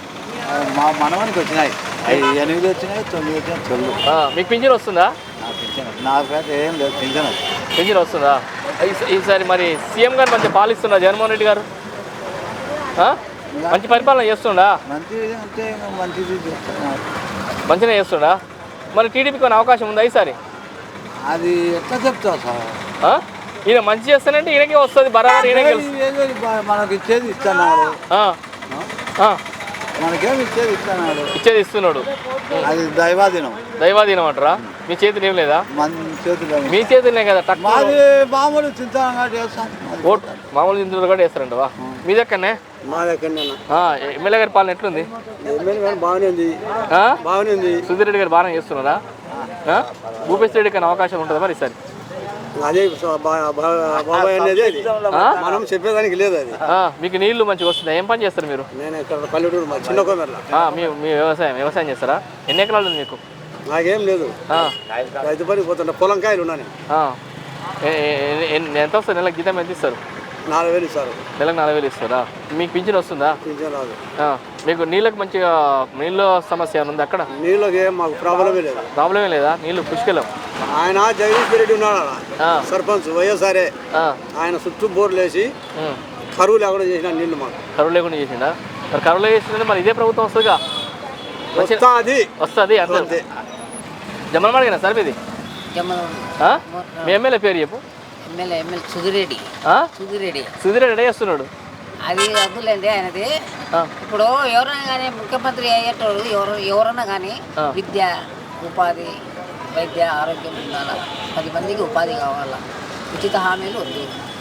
[SPEAKER 4] మా మనవానికి వచ్చినాయి ఐదు ఎనిమిది వచ్చినాయి తొమ్మిది వచ్చినాయి తొమ్మిది
[SPEAKER 1] ఆ, మీకు పింఛన్ వస్తుందా?
[SPEAKER 4] నాకు ఏం లేదు పింఛన్
[SPEAKER 1] పింఛన్ వస్తుందా? ఈ- ఈసారి మరి సీఎం గారు మంచి పాలిస్తున్నా జగన్మోహన్ రెడ్డి గారు? ఆ? మంచి పరిపాలన చేస్తుండా?
[SPEAKER 4] మంచిది అంటే మంచిది చేస్తున్నారు.
[SPEAKER 1] మంచిగా చేస్తుండా? మరి టీడీపీకి కొన్ని అవకాశం ఉందా ఈసారి?
[SPEAKER 4] అది ఎట్లా చెప్తావు సార్
[SPEAKER 1] ఆ? ఈయన మంచి చేస్తానంటే ఈయనకే వస్తుంది బరాబర్ ఈయనకే గెలుస్తుంది.
[SPEAKER 4] ఏదో మనకి ఇచ్చేది ఇస్తున్నాడు
[SPEAKER 1] ఆ. ఆ.
[SPEAKER 4] మనకేం ఇచ్చేది ఇస్తున్నాడు
[SPEAKER 1] ఇచ్చేది ఇస్తున్నాడు.
[SPEAKER 4] అది దైవాధీనం
[SPEAKER 1] దైవాధీనం అంటారా? మీ చేతులు ఏం లేదా?
[SPEAKER 4] మన చేతిలో
[SPEAKER 1] మీ చేతులనే కదా టక్
[SPEAKER 4] మాది మామూలు చింతగా చేస్తాం
[SPEAKER 1] ఓట్ మామూలు ఇందులో కూడా వేస్తారంటవా? మీ దగ్గరనే
[SPEAKER 4] మా దగ్గర
[SPEAKER 1] ఎమ్మెల్యే గారి పాలన ఎట్లుంది?
[SPEAKER 4] బాగానే ఉంది
[SPEAKER 1] ఆ?
[SPEAKER 4] బాగానే ఉంది
[SPEAKER 1] సుధీర్ రెడ్డి గారు బాగానే చేస్తున్నారా? ఆ? భూపేశ్ రెడ్డి కానీ అవకాశం ఉంటుందా మరి ఈసారి?
[SPEAKER 4] అదే బాబాయ్ అనేది అది
[SPEAKER 1] ఆ?
[SPEAKER 4] మనం చెప్పేదానికి లేదు అది
[SPEAKER 1] ఆ, మీకు నీళ్లు మంచిగా వస్తున్నాయి. ఏం పని చేస్తారు మీరు?
[SPEAKER 4] నేను ఇక్కడ పల్లెటూరు మా చిన్న కోమెర్ల
[SPEAKER 1] ఆ, మీ మీ వ్యవసాయం వ్యవసాయం చేస్తారా? ఎన్ని ఎకరాలు ఉంది మీకు?
[SPEAKER 4] నాకేం లేదు
[SPEAKER 1] ఆ,
[SPEAKER 4] రైతు పనికి పోతుంటా పొలం కాయలు ఉన్నాను
[SPEAKER 1] ఆ. ఏ- ఏ- ఏ- ఎంత వస్తుంది నెలకు జీతం ఎంత ఇస్తారు?
[SPEAKER 4] నాలుగు వేలు ఇస్తారు
[SPEAKER 1] నెలకు నాలుగు వేలు ఇస్తారా? మీకు పింఛన్ వస్తుందా?
[SPEAKER 4] పింఛన్ రాదు
[SPEAKER 1] ఆ, మీకు నీళ్ళకి మంచిగా నీళ్ళ సమస్య ఏమైనా ఉంది అక్కడ?
[SPEAKER 4] నీళ్ళకి ఏం మాకు ప్రాబ్లమే లేదు
[SPEAKER 1] ప్రాబ్లమే లేదా? నీళ్ళు పుష్కలం.
[SPEAKER 4] ఆయన జగదీష్ రెడ్డి ఉన్నాడు ఆడ.
[SPEAKER 1] ఆ,
[SPEAKER 4] సర్పంచ్ వైఎస్ఆర్ఏ
[SPEAKER 1] ఆ,
[SPEAKER 4] ఆయన చుట్టూ బోర్లు వేసి
[SPEAKER 1] ఉమ్.
[SPEAKER 4] కరువు లేకుండా చేసిన నీళ్లు మాకు
[SPEAKER 1] కరువు లేకుండా చేసిందా? మరి కరువు చేసిందంటే మరి ఇదే ప్రభుత్వం వస్తుందిగా.
[SPEAKER 4] వస్తా అది
[SPEAKER 1] వస్తుంది అంతే.
[SPEAKER 4] అంతే
[SPEAKER 1] జమ్మలమడిగినా సార్ మీది? ఆ? మీ ఎమ్మెల్యే పేరు చెప్పు.
[SPEAKER 8] ఎమ్మెల్యే ఎమ్మెల్యే సుధిరెడ్డి
[SPEAKER 1] ఆ?
[SPEAKER 8] సుధిరెడ్డి
[SPEAKER 1] సుధీర్ రెడ్డి చేస్తున్నాడు.
[SPEAKER 8] అది వద్దులేండి ఆయనది.
[SPEAKER 1] ఆ.
[SPEAKER 8] ఇప్పుడు ఎవరైనా కానీ ముఖ్యమంత్రి అయ్యేటోడు ఎవరు ఎవరన్నా కానీ
[SPEAKER 1] ఆ.
[SPEAKER 8] విద్య ఉపాధి వైద్య ఆరోగ్యం ఉండాలా, పది మందికి ఉపాధి కావాలా, ఉచిత హామీలు వద్దు.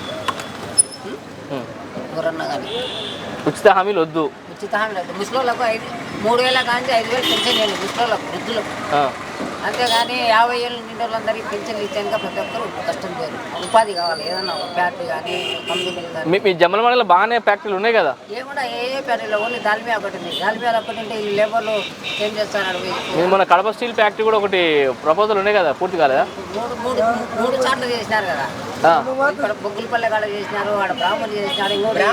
[SPEAKER 8] ఉం?
[SPEAKER 1] ఉమ్.
[SPEAKER 8] ఎవరన్నా కానీ
[SPEAKER 1] ఉచిత హామీలు వద్దు.
[SPEAKER 8] ఉచిత హామీలు వద్దు. ముసలోళ్ళకు ఐదు మూడు వేల కానీ ఐదు వేలు పెన్షన్ చేయండి ముసలోళ్ళకు వృద్ధులకు.
[SPEAKER 1] ఆ.
[SPEAKER 8] అంతేగాని యాభై ఏళ్ళు నిండి వాళ్ళందరికీ పెన్షన్లు ఇచ్చాక ప్రతి ఒక్కరు కష్టం చేయరు. ఉపాధి కావాలి, ఏదన్నా ఒక ఫ్యాక్టరీ కానీ కంపెనీలు కానీ.
[SPEAKER 1] మీ మీ జమ్మలమడిలో బాగానే ఫ్యాక్టరీలు ఉన్నాయి కదా?
[SPEAKER 8] ఏమన్నా ఏ ఏ ఫ్యాక్టరీలో ఓన్లీ దాల్మియా ఒకటి ఉంది. దాల్మియాలో ఒకటి ఉంటే ఈ లేబర్లు ఏం చేస్తున్నారు?
[SPEAKER 1] మీరు మన కడప స్టీల్ ఫ్యాక్టరీ కూడా ఒకటి ప్రపోజల్ ఉన్నాయి కదా, పూర్తి కాలేదా?
[SPEAKER 8] మూడు మూడు మూడు సార్లు చేసినారు కదా.
[SPEAKER 1] ఆ.
[SPEAKER 8] ఇక్కడ బొగ్గులపల్లె కాడ చేసినారు, ఆడ బ్రాహ్మణి చేసినారు, ఇంకోటి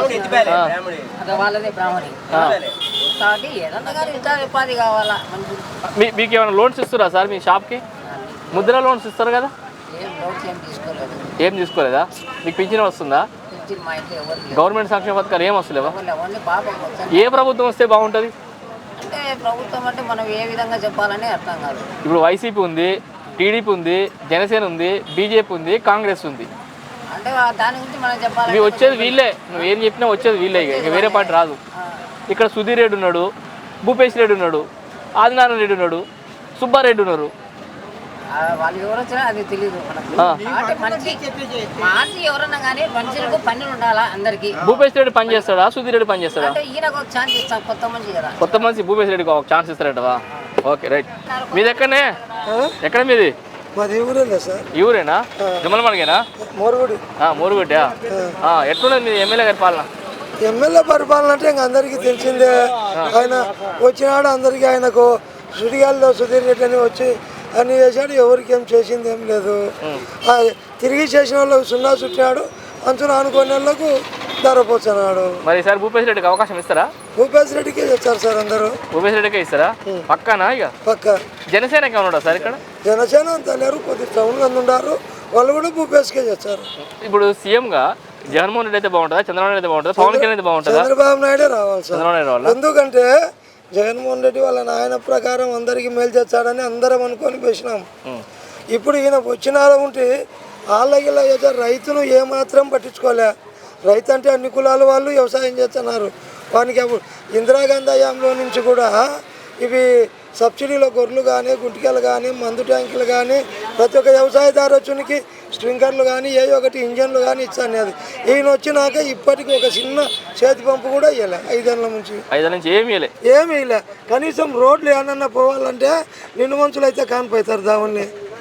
[SPEAKER 8] అదే వాళ్ళదే బ్రాహ్మణి. కాబట్టి ఏదన్నా కానీ ఇంకా ఉపాధి కావాలా మనకు.
[SPEAKER 1] మీ మీకు ఏమైనా లోన్స్ ఇస్తారా సార్ మీ షాప్కి? ముద్ర లోన్స్ ఇస్తారు కదా?
[SPEAKER 8] ఏం డౌట్స్ ఏం తీసుకోలేదు.
[SPEAKER 1] ఏం తీసుకోలేదా? మీకు పింఛన్ వస్తుందా?
[SPEAKER 8] పెన్షన్ మా ఇంట్లో ఎవరు లేరు.
[SPEAKER 1] గవర్నమెంట్ సంక్షేమ పథకాలు ఏం వస్తలేవా?
[SPEAKER 8] ఎవరు లేరు. ఓన్లీ పాపం వచ్చాను.
[SPEAKER 1] ఏ ప్రభుత్వం వస్తే బాగుంటుంది?
[SPEAKER 8] అంటే ప్రభుత్వం అంటే మనం ఏ విధంగా చెప్పాలని అర్థం కాదు.
[SPEAKER 1] ఇప్పుడు వైసీపీ ఉంది, టీడీపీ ఉంది, జనసేన ఉంది, బీజేపీ ఉంది, కాంగ్రెస్ ఉంది.
[SPEAKER 8] అంటే దాని గురించి మనం చెప్పాలి.
[SPEAKER 1] ఇవి వచ్చేది వీళ్ళే. నువ్వు ఏం చెప్పినా వచ్చేది వీళ్ళే. ఇక ఇక వేరే పార్టీ రాదు. ఇక్కడ సుధీర్ రెడ్డి ఉన్నాడు, భూపేశ్ రెడ్డి ఉన్నాడు, ఆదినారాయణ రెడ్డి ఉన్నాడు, సుబ్బారెడ్డి ఉన్నారు.
[SPEAKER 8] వాళ్ళు ఎవరు వచ్చినా అది తెలియదు మనకు.
[SPEAKER 1] ఆ.
[SPEAKER 8] అంటే మనిషి మనిషి ఎవరన్నా కానీ మనుషులకు పనులు ఉండాలా అందరికి.
[SPEAKER 1] భూపేశ్ రెడ్డి పని చేస్తాడా, సుధీర్ రెడ్డి పని చేస్తాడా?
[SPEAKER 8] అంటే ఈయనకు ఒక ఛాన్స్ ఇస్తాం, కొత్త మనిషి కదా.
[SPEAKER 1] కొత్త మనిషి భూపేశ్ రెడ్డికి ఒక ఛాన్స్ ఇస్తారటవా? Okay right. మీది ఎక్కడనే? ఎక్కడ మీది?
[SPEAKER 4] మాది ఊరే సార్
[SPEAKER 1] ఈ ఊరేనా? జమ్మలమడిగేనా?
[SPEAKER 4] మోరుగుడి
[SPEAKER 1] మోరుగుడ్డా? ఎట్లున్నది మీ ఎమ్మెల్యే గారి పాలన?
[SPEAKER 4] ఎమ్మెల్యే పరిపాలన అంటే ఇంక అందరికీ తెలిసిందే. ఆయన వచ్చినాడు అందరికీ ఆయనకు సుడిగాల్లో సుధీర్ రెడ్డి అని వచ్చి అన్ని చేశాడు. ఎవరికి ఏం చేసింది ఏం లేదు. ఆ, తిరిగి చేసిన వాళ్ళకు సున్నా చుట్టినాడు, అంచున అనుకునే వాళ్ళకు ధరపోతున్నాడు.
[SPEAKER 1] మరి ఈసారి భూపేశ్ రెడ్డికి అవకాశం ఇస్తారా?
[SPEAKER 4] భూపేశ్ రెడ్డికే చేస్తారు సార్ అందరూ.
[SPEAKER 1] భూపేశ్ రెడ్డికే ఇస్తారా పక్కానా? ఇక
[SPEAKER 4] పక్క
[SPEAKER 1] జనసేనకి ఉన్నాడా సార్ ఇక్కడ?
[SPEAKER 4] జనసేన అంత లేరు, కొద్ది టౌన్ మంది ఉన్నారు, వాళ్ళు కూడా భూపేశ్కే చేస్తారు.
[SPEAKER 1] ఇప్పుడు సీఎంగా జగన్మోహన్ రెడ్డి అయితే బాగుంటుందా, చంద్రబాబు నాయుడు అయితే బాగుంటుందా, పవన్ కళ్యాణ్ అయితే బాగుంటుందా?
[SPEAKER 4] చంద్రబాబు నాయుడే రావాలి సార్.
[SPEAKER 1] చంద్రబాబు నాయుడు వాళ్ళ
[SPEAKER 4] ఎందుకంటే జగన్మోహన్ రెడ్డి వాళ్ళ నాయన ప్రకారం అందరికీ మేలు చేస్తాడని అందరం అనుకొని వేసినాం. ఇప్పుడు ఈయన వచ్చినార ఉంటే వాళ్ళకి రైతును ఏమాత్రం పట్టించుకోలే. రైతు అంటే అన్ని కులాల వాళ్ళు వ్యవసాయం చేస్తున్నారు. వానికి అప్పుడు ఇందిరాగాంధీ హయాంలో నుంచి కూడా ఇవి సబ్సిడీలో గొర్రెలు కానీ, గుంటికలు కానీ, మందు ట్యాంకులు కానీ, ప్రతి ఒక్క వ్యవసాయదారునికి స్ప్రింక్లర్లు కానీ, ఏ ఒకటి ఇంజన్లు కానీ ఇచ్చాను. అది ఈయన వచ్చినాక ఇప్పటికీ ఒక చిన్న చేతి పంపు కూడా ఇవ్వలే. ఐదేళ్ళ నుంచి
[SPEAKER 1] ఐదు నుంచి ఏమి ఇవ్వలే.
[SPEAKER 4] ఏమి ఇవ్వలే. కనీసం రోడ్లు ఏమన్నా పోవాలంటే నిన్ను మనుషులు అయితే కానిపోతారు దావన్ని.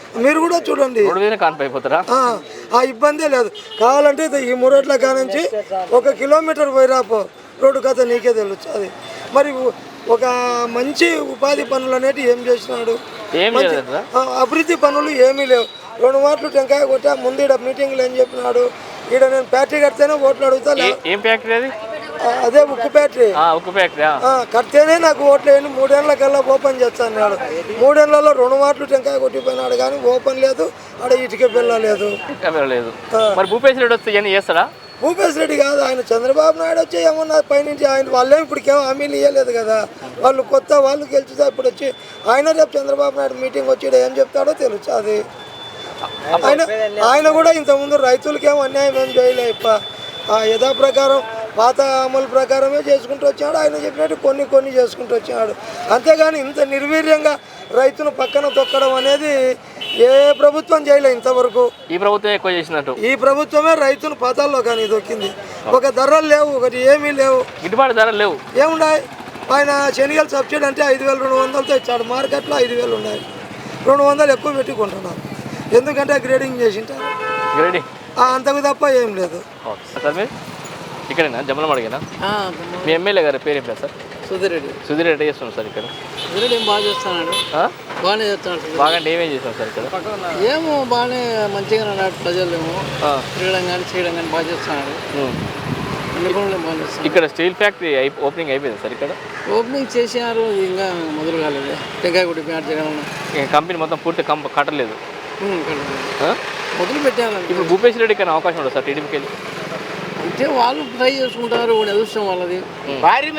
[SPEAKER 9] మీరు కూడా చూడండి,
[SPEAKER 1] రోడ్డు మీద కాన్పు అయిపోతారా?
[SPEAKER 9] ఆ, ఆ ఇబ్బందే లేదు. కావాలంటే ఇది ఈ మురట్ల కానుంచి ఒక కిలోమీటర్ పోయిరాపో రోడ్డు కథ నీకే తెలుస్తుంది. మరి ఒక మంచి ఉపాధి పనులు అనేవి ఏం చేసినాడు?
[SPEAKER 1] ఏం
[SPEAKER 9] మంచి
[SPEAKER 1] చేయలేదా?
[SPEAKER 9] ఆ, అభివృద్ధి పనులు ఏమీ లేవు. రెండు మాటలు టెంకాయ కొట్టా. ముందు ఈడ మీటింగ్లు ఏం చెప్పినాడు? ఈడ నేను ఫ్యాక్టరీ కడితేనే ఓట్లు అడుగుతా. లే-
[SPEAKER 1] ఏం ఫ్యాక్టరీ అది?
[SPEAKER 9] ఆ, అదే ఉక్కు ఫ్యాక్టరీ.
[SPEAKER 1] ఆ, ఉక్కు ఫ్యాక్టరీ.
[SPEAKER 9] ఆ, కడితేనే నాకు ఓట్లు వేయండి, మూడేళ్ల కల్లా ఓపెన్ చేస్తాను అన్నాడు. మూడేళ్లలో రెండు మాటలు టెంకాయ కొట్టిపోయినాడు కానీ ఓపెన్ లేదు, ఆడ ఇటుక పిల్ల లేదు.
[SPEAKER 1] లేదు. మరి భూపేశ్ రెడ్డి వస్తే ఇవన్నీ చేస్తాడా?
[SPEAKER 9] భూపేశ్ రెడ్డి కాదు, ఆయన చంద్రబాబు నాయుడు వచ్చి ఏమన్నా పైనుంచి ఆయన వాళ్ళేం ఇప్పటికేమో హామీలు ఇవ్వలేదు కదా. వాళ్ళు కొత్త వాళ్ళు గెలిచితే ఇప్పుడు వచ్చి ఆయన రేపు చంద్రబాబు నాయుడు మీటింగ్ వచ్చి ఏం చెప్తాడో తెలుస్తుంది. ఆయన ఆయన కూడా ఇంతకుముందు రైతులకేమో అన్యాయం ఏం చేయలే. ఇప్ప యథా ప్రకారం పాత అమలు ప్రకారమే చేసుకుంటూ వచ్చాడు. ఆయన చెప్పినట్టు కొన్ని కొన్ని చేసుకుంటూ వచ్చాడు. అంతేగాని ఇంత నిర్వీర్యంగా రైతును పక్కన తొక్కడం అనేది ఏ ప్రభుత్వం చేయలే ఇంతవరకు.
[SPEAKER 1] ఈ ప్రభుత్వం ఎక్కువ చేసినట్టు.
[SPEAKER 9] ఈ ప్రభుత్వమే రైతును పాతాల్లో కానీ దొక్కింది. ఒక ధరలు లేవు, ఒకటి ఏమీ లేవు,
[SPEAKER 1] గిట్టుబాటు ధరలు లేవు.
[SPEAKER 9] ఏమున్నాయి? ఆయన శనగలు సబ్సిడీ అంటే ఐదు వేలు రెండు వందలతో ఇచ్చాడు. మార్కెట్లో ఐదు వేలు ఉన్నాయి, రెండు వందలు ఎక్కువ పెట్టుకుంటున్నారు. ఎందుకంటే గ్రేడింగ్ చేసింటారు.
[SPEAKER 1] గ్రేడింగ్
[SPEAKER 9] అంతకు తప్ప ఏం లేదు.
[SPEAKER 1] సార్ మీరు ఇక్కడేనా జమ్మలం అడిగినా? మీ ఎమ్మెల్యే గారి పేరు ఏం లేదు సార్?
[SPEAKER 10] సుధీర్ రెడ్డి.
[SPEAKER 1] సుధీర్ రెడ్డి చేస్తున్నాం సార్ ఇక్కడ.
[SPEAKER 10] సుధీర్ రెడ్డి ఏం బాగా చేస్తున్నాడు, బాగానే చేస్తున్నాడు.
[SPEAKER 1] బాగా అంటే ఏమేం చేస్తాం సార్ ఇక్కడ?
[SPEAKER 10] ఏమో బాగానే మంచిగా అన్నాడు. ప్రజలు ఏమో తిరగడం కానీ చేయడం కానీ బాగా చేస్తున్నాడు. అన్ని పనులు బాగా చేస్తున్నాడు.
[SPEAKER 1] ఇక్కడ స్టీల్ ఫ్యాక్టరీ ఓపెనింగ్ అయిపోయింది సార్ ఇక్కడ?
[SPEAKER 10] ఓపెనింగ్ చేసినారు, ఇంకా మొదలు కాలేదు. టెంకాయ కొట్టి ప్యాట్ చేయడం
[SPEAKER 1] కంపెనీ మొత్తం పూర్తి కంప కట్టలేదు,
[SPEAKER 10] మొదలు పెట్టారు.
[SPEAKER 1] ఇప్పుడు భూపేశ్ రెడ్డికి అయినా అవకాశం ఉండదు సార్ టీడీపీకి వెళ్ళి?
[SPEAKER 10] అంటే వాళ్ళు ట్రై చేసుకుంటారు. వాడు అదృష్టం వాళ్ళది, వాడి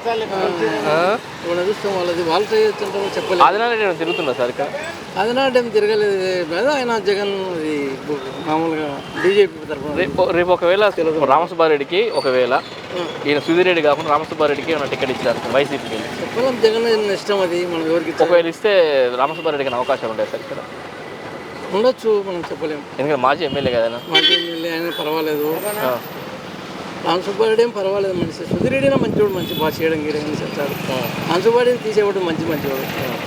[SPEAKER 10] అదృష్టం వాళ్ళది. వాళ్ళు ట్రై చేస్తుంటారు చెప్పలేదు.
[SPEAKER 1] ఆదినారాయణ తిరుగుతున్నా సార్ ఇక్కడ?
[SPEAKER 10] ఆదినారాయణ ఏం తిరగలేదు కదా. ఆయన జగన్ ఇది మామూలుగా బీజేపీ తరఫున.
[SPEAKER 1] రేపు రేపు ఒకవేళ రామసుబ్బారెడ్డికి ఒకవేళ ఈయన సుధీర్ రెడ్డి కాకుండా రామసుబ్బారెడ్డికి ఏమైనా టికెట్ ఇచ్చారు వైసీపీకి వెళ్ళి?
[SPEAKER 10] చెప్పలేం, జగన్ ఇష్టం అది. మనం ఎవరికి
[SPEAKER 1] ఒకవేళ ఇస్తే రామసుబ్బారెడ్డికి అవకాశం ఉంటాయి సార్ ఇక్కడ?
[SPEAKER 10] ఉండొచ్చు, మనం చెప్పలేము.
[SPEAKER 1] ఎందుకంటే మాజీ ఎమ్మెల్యే కదా.
[SPEAKER 10] మాజీ ఎమ్మెల్యే ఆయన పర్వాలేదు. రామసుబ్బారెడ్డి ఏం పర్వాలేదు మనిషి. సుధీర్ రెడ్డి మంచివాడు, మంచి బాగా చేయడం గీయడం చెప్తాడు. రామసుబ్బారెడ్డిని తీసేవాడు మంచి మంచివాడు.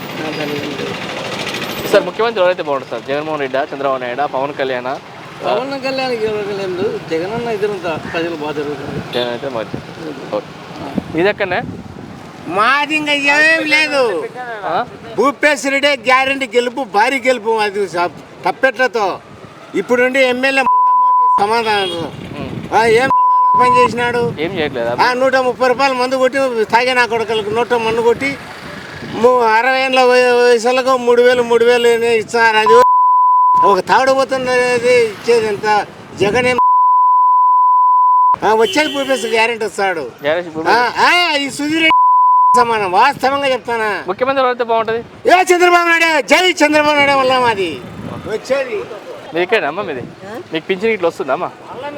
[SPEAKER 1] సార్ ముఖ్యమంత్రి ఎవరైతే బాగుంటుంది సార్? జగన్మోహన్ రెడ్డి, చంద్రబాబు నాయుడు, పవన్ కళ్యాణ్?
[SPEAKER 10] పవన్ కళ్యాణ్ లేదు, జగన్ అన్న ఇద్దరు ప్రజలు బాగా జరుగుతుంది.
[SPEAKER 1] జగన్ అయితే మంచి. ఓకే, ఇదెక్కడనే
[SPEAKER 11] మాది ఇంకా ఏమేం లేదు. భూపేశ్ రెడ్డి గ్యారెంటీ గెలుపు, భారీ గెలుపు. అది తప్పెట్లతో ఇప్పుడుండి ఎమ్మెల్యే సమాధానం ఏం పని చేసినాడు?
[SPEAKER 1] ఏం చేయట్లేదు.
[SPEAKER 11] నూట ముప్పై రూపాయలు మందు కొట్టి తాగే నా కొడుకులకు నూట మందు కొట్టి అరవై ఏళ్ళ వయసులకు మూడు వేలు మూడు వేలు ఇస్తున్నారు. అది ఒక తాగుడుపోతున్నది ఇచ్చేది ఎంత? జగన్ ఏం వచ్చేది భూపేశ్ గ్యారెంటీ వస్తాడు. ఈ సుధీర్ సమానం, వాస్తవంగా చెప్తానా.
[SPEAKER 1] ముఖ్యమంత్రి ఎవరైతే బాగుంటుంది?
[SPEAKER 11] ఏ చంద్రబాబు నాయుడు, జై చంద్రబాబు నాయుడు వల్ల మాది వచ్చేది.
[SPEAKER 1] మీరు ఇక్కడమ్మా మీది? మీకు పింఛన్ ఇట్లా వస్తుందమ్మా?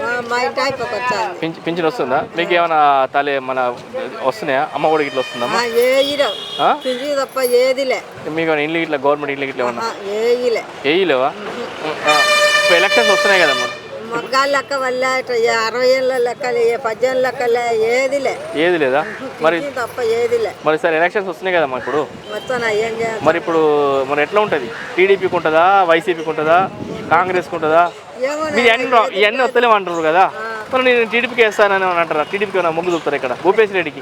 [SPEAKER 1] పింఛన్ వస్తుందా మీకు? ఏమైనా తల్లి మన వస్తున్నాయా? అమ్మ ఒడి ఇట్లా వస్తుందమ్మా?
[SPEAKER 2] తప్ప ఏదిలే.
[SPEAKER 1] మీకు ఇల్లు ఇట్లా గవర్నమెంట్ ఇల్లు ఇట్లా ఏమన్నా వేయలేవా? ఇప్పుడు ఎలక్షన్స్ వస్తున్నాయి కదమ్మా.
[SPEAKER 2] మగ్గాల లెక్క వల్ల అరవై ఏళ్ళ లెక్కలే, పద్దెనిమిది లెక్కలే, ఏదిలే.
[SPEAKER 1] ఏది లేదా మరి?
[SPEAKER 2] తప్ప ఏదిలే.
[SPEAKER 1] మరి సార్ ఎలక్షన్స్ వస్తున్నాయి కదమ్మా ఇప్పుడు.
[SPEAKER 2] ఏం చేయాలి
[SPEAKER 1] మరి ఇప్పుడు మరి ఎట్లా ఉంటుంది? టీడీపీకి ఉంటుందా, వైసీపీకి ఉంటుందా, కాంగ్రెస్కి ఉంటుందా? మీరు అన్ని ఇవన్నీ వస్తలేము అంటారు కదా. మరి నేను టీడీపీకి వేస్తానని అంటారా? టీడీపీకి ఏమైనా మొగ్గు చూపుతారు ఇక్కడ భూపేశ్ రెడ్డికి?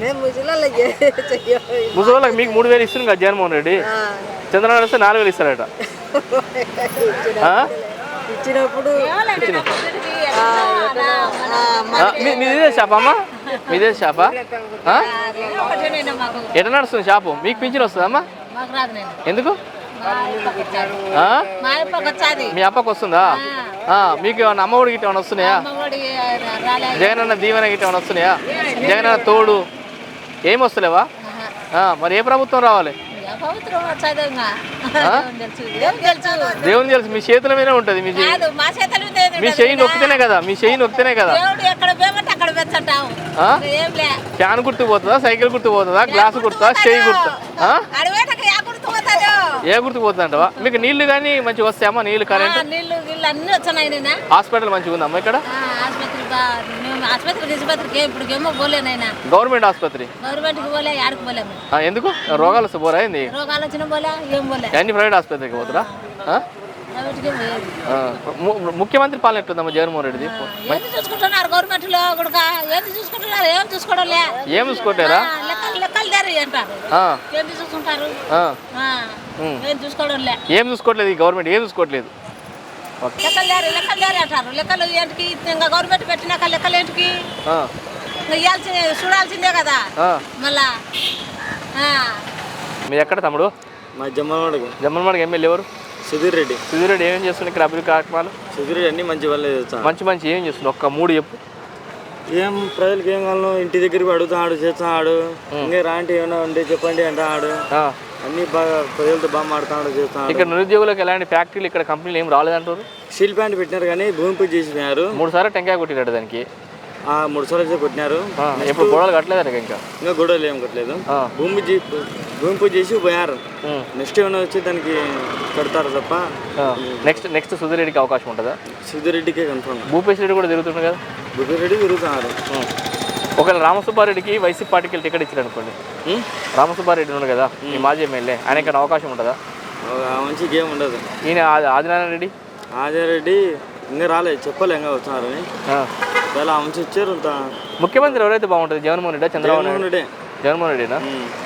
[SPEAKER 1] ముసలిళ్ళకి మీకు మూడు వేలు ఇస్తుంది కదా జగన్మోహన్ రెడ్డి. చంద్రబాబు వస్తే నాలుగు వేలు ఇస్తారట.
[SPEAKER 2] ఇచ్చినప్పుడు
[SPEAKER 1] మీదే షాపా అమ్మా? మీదే షాపా? ఎట్లా నడుస్తుంది షాపు? మీకు పింఛన్ వస్తుందమ్మా? ఎందుకు? మీ అప్పకి వస్తుందా? మీకు ఏమన్నా అమ్మ ఒడికి ఏమైనా వస్తున్నాయా? జగన్ అన్న దీవెన గిట్ట ఏమైనా వస్తున్నాయా? జగన్ అన్న తోడు ఏమి వస్తలేవా? మరి ఏ ప్రభుత్వం రావాలి? దేవుని తెలుసు, మీ చేతుల మీద ఉంటుంది. మీ మీ చెయ్యి నొక్కితేనే కదా, మీ చెయ్యి నొక్కితేనే కదా. ఫ్యాన్ గుర్తు పోతుందా, సైకిల్ గుర్తు పోతుందా, గ్లాసు గుర్తా, చెయ్యి గుర్తా? ఏ గుర్తు పోతుందంటవా? మీకు నీళ్లు కానీ మంచిగా వస్తాయమ్మా? నీళ్లు, కరెంట్, హాస్పిటల్ మంచిగా ఉందమ్మా ఇక్కడ? గవర్నమెంట్ ఆసుపత్రి ఎందుకు? రోగాలు వస్తే పోరా? ఏంది అన్ని ప్రైవేట్ ఆసుపత్రికి పోతురా? ఆ? ఆ. ము- ముఖ్యమంత్రి పాలన ఎట్లుందమ్మా జగన్మోహన్ రెడ్డిది
[SPEAKER 12] ఏది చూసుకుంటున్నారు గవర్నమెంట్లో కూడా ఏది చూసుకుంటున్నారు ఏం చూసుకోవడం లే
[SPEAKER 1] ఏం చూసుకోలేరా
[SPEAKER 12] లెక్కలు లెక్కలు దేరి అంటారు
[SPEAKER 1] ఆ.
[SPEAKER 12] ఏంటి చూసుకుంటారు
[SPEAKER 1] ఆ.
[SPEAKER 12] ఆ, ఏం చూసుకోవడం లే
[SPEAKER 1] ఏం చూసుకోవట్లేదు ఈ గవర్నమెంట్ ఏం చూసుకోవట్లేదు
[SPEAKER 12] లెక్కలు దేరి లెక్కలు దేరి అంటారు లెక్కలు ఏంటికి ఇంకా గవర్నమెంట్ పెట్టినాక లెక్కలు ఏంటికి
[SPEAKER 1] ఆ.
[SPEAKER 12] ఇంకా ఇవ్వాల్సిందే చూడాల్సిందే కదా
[SPEAKER 1] ఆ.
[SPEAKER 12] మళ్ళా ఆ.
[SPEAKER 1] మీరు ఎక్కడ తమ్ముడు
[SPEAKER 13] మా జమ్మలవాడకు
[SPEAKER 1] జమ్మలమడికి ఎమ్మెల్యే ఎవరు
[SPEAKER 13] సుధీర్ రెడ్డి
[SPEAKER 1] సుధీర్ రెడ్డి ఏం చేస్తున్నారు ఇక్కడ అభివృద్ధి కార్యక్రమాలు
[SPEAKER 13] సుధీర్ రెడ్డి అన్ని మంచి వాళ్ళే చేస్తాను
[SPEAKER 1] మంచి మంచి ఏం చేస్తున్నారు ఒక్క మూడు చెప్పు
[SPEAKER 13] ఏం ప్రజలకు ఏం కావాలో ఇంటి దగ్గరికి అడుగుతాడు చేస్తున్నాడు ఇంకా రాంటి ఏమైనా ఉంటే చెప్పండి అంటాడు అన్ని బాగా ప్రజలతో బాగా మాడుతున్నాడు చేస్తున్నాడు
[SPEAKER 1] ఇక్కడ నిరుద్యోగులకు ఎలాంటి ఫ్యాక్టరీలు ఇక్కడ కంపెనీలు ఏం రాలేదంటారు
[SPEAKER 13] స్టీల్ ప్లాంట్ పెట్టినారు కానీ భూమి పూజ చేసినారు
[SPEAKER 1] మూడు సార్లు టెంకాయ కొట్టినాడు దానికి
[SPEAKER 13] ఆ మూడు సార్లు అయితే కొట్టినారు
[SPEAKER 1] ఇప్పుడు గొడవలు కట్టలేదు ఇంకా
[SPEAKER 13] ఇంకా గొడవలు ఏం కట్టలేదు భూమి జీ- భూమి పూజ చేసి పోయారు నెక్స్ట్ ఏమైనా వచ్చి దానికి కడతారు తప్ప
[SPEAKER 1] నెక్స్ట్ నెక్స్ట్ సుధీర్ రెడ్డికి అవకాశం ఉంటుందా
[SPEAKER 13] సుధీర్ రెడ్డికే కన్ఫర్మ్
[SPEAKER 1] భూపేశ్ రెడ్డి కూడా తిరుగుతుంది కదా
[SPEAKER 13] భూపేశ్ రెడ్డి తిరుగుతున్నారు
[SPEAKER 1] ఒకవేళ రామసుబ్బారెడ్డికి వైసీపీ పార్టీకి టికెట్ ఇచ్చారు అనుకోండి రామసుబ్బారెడ్డి ఉన్నాడు కదా ఈ మాజీ ఎమ్మెల్యే ఆయనకైనా అవకాశం ఉంటుందా
[SPEAKER 13] మంచి గేమ్ ఉండదు
[SPEAKER 1] ఈయన ఆది- ఆదినారాయణ రెడ్డి
[SPEAKER 13] ఆదిరెడ్డి ఇంకా రాలేదు చెప్పలే ఇంకా వస్తున్నారని చాలా మంచి ఇచ్చారు అంత
[SPEAKER 1] ముఖ్యమంత్రి ఎవరైతే బాగుంటుంది జగన్మోహన్ రెడ్డి చంద్రబాబు
[SPEAKER 13] జగన్మోహన్
[SPEAKER 1] నాయుడు
[SPEAKER 13] రెడ్డి
[SPEAKER 1] జగన్మోహన్ రెడ్డినా